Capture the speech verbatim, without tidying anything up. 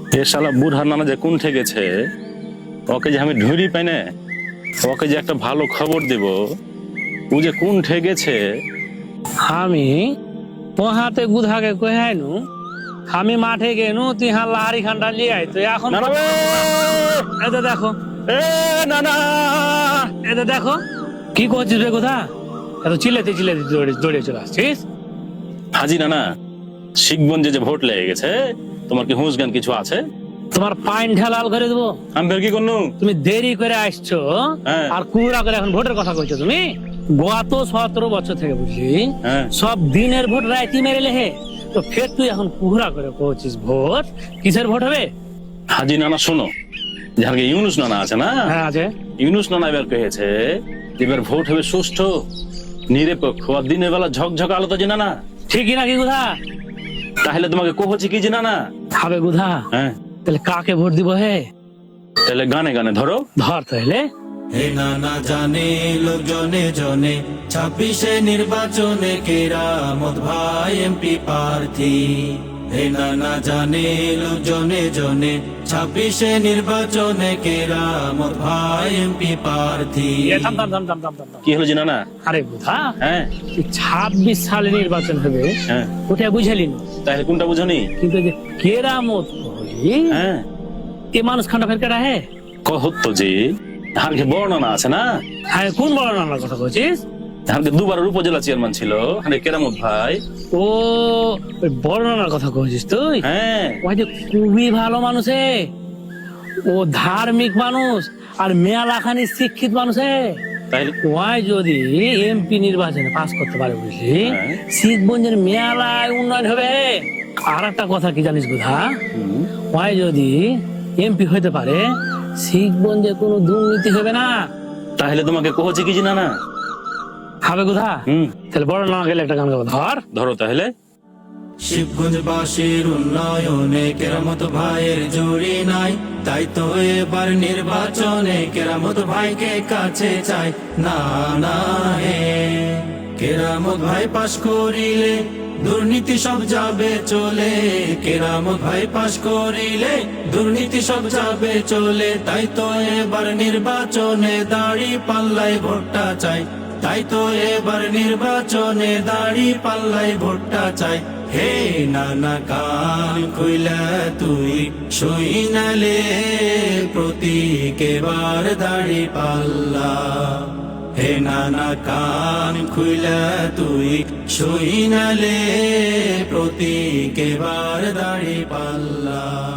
এ শালা বুড়ার নানা যে কোন ঠেকেছে, ওকে যে আমি ঢুঁড়ি পাই না, ওকে যে একটা ভালো খবর দেব, ও যে কোন ঠেকেছে। আমি পোহাতে গুধাকে কহাইনু, আমি মাঠে গেনু তিহা লাহারি খানটা লিয়ে আইতো এখন। না না বে! এতে দেখো, এ না না এতে দেখো কি করছিস রে কোথা, এত চিল্লাতে চিল্লাতে দৌড়ে দৌড়ে চলে আসছিস। হাজি না না, শিখগঞ্জে যে ভোট লেগে গেছে, তোমার কি হুঁশ জ্ঞান কিছু আছে? তোমার পাইন ঢালাল করে দেবো। আমি ফের কি করনু? তুমি দেরি করে আসছো হ্যাঁ। আর কুড়া করে এখন ভোটের কথা কইছো তুমি। গত সতেরো বছর থেকে বুঝলি হ্যাঁ। সব দিনের ভোট রাইতি মেরে লেহে, তো ফের তুই এখন কুহরা করে কইছিস ভোট কিসের ভোট হবে? হাজি নানা শোনো, যার ইউনুস নানা আছে না, হ্যাঁ আছে। ইউনুস নানা এবার কহেছে এবার ভোট হবে সুষ্ঠু নিরপেক্ষ আর দিনের বেলা ঝকঝক আলো তো যে নানা। ঠিকই নাকি গুধা? তাহলে তোমাকে কহছি কি যে নানা। হবে গুধা, হ্যাঁ তাহলে কাকে ভোট দিব হে? তাহলে গানে গানে ধরো। ধর তাহলে। হে নানা জানে লোকজনে জনে ছাব্বিশে নির্বাচনে কেরামত ভাই এমপি প্রার্থী। হে নানা জানে লোকজনে জনে ছাব্বিশে নির্বাচনে কেরামত ভাই এমপি প্রার্থী। এ থাম থাম থাম থাম থাম থাম থাম। কি হলো যে নানা? আরে গুধা, হ্যাঁ ছাব্বিশ সালে নির্বাচন হবে হ্যাঁ, ওটা বুঝালি না, তাহলে কোনটা বুঝনি? কিন্তু যে কেরামত হলি হ্যাঁ এ মানুষ খান্ডা ফের কেটা হে? কহত যে হারকে বড় নানা আছে না, হ্যাঁ কোন বড় নানার কথা বলছিস? হারকে দুবারের উপজেলা চেয়ারম্যান ছিল হারে কেরামত ভাই। ও ওই বড় নানার কথা কইছিস তুই? হ্যাঁ ওই যে খুবই ভালো মানুষ হে, ও ধার্মিক মানুষ আর মেয়ালাখানি শিক্ষিত মানুষ হে। তাহলে ওই যদি এমপি নির্বাচনে পাস করতে পারে বুঝলি, হ্যাঁ। শিখগঞ্জের মেয়ালায় উন্নয়ন হবে। আর একটা কথা কি জানিস বুধা, হুম, ওই যদি এমপি হইতে পারে শিখগঞ্জে কোনো দুর্নীতি হবে না। তাহলে তোমাকে কহছি কি যে নানা। হবে কোথা? হুম, তাহলে বড় না গেলে একটা গান গাবো, ধর। ধরো তাহলে। শিবগঞ্জবাসীর উন্নয়নে কেরামত ভাইয়ের জুড়ি নাই, তাই তো এবার নির্বাচনে কেরামত ভাইকে কাছে চাই। না না হে কেরামত ভাই পাশ করিলে দুর্নীতি সব যাবে চলে, কেরামত ভাই পাশ করিলে দুর্নীতি সব যাবে চলে। তাই তো এবার নির্বাচনে দাড়ি পাল্লাই ভোটটা চাই, তাই তো এবার নির্বাচনে দাড়ি পাল্লাই ভোটটা চাই। হে নানা কান খুইলা তুই সইনালে প্রতীক এবার দাড়ি পাল্লা। হে নানা কান খুইলা তুই সইনালে প্রতীক এবার দাড়ি পাল্লা।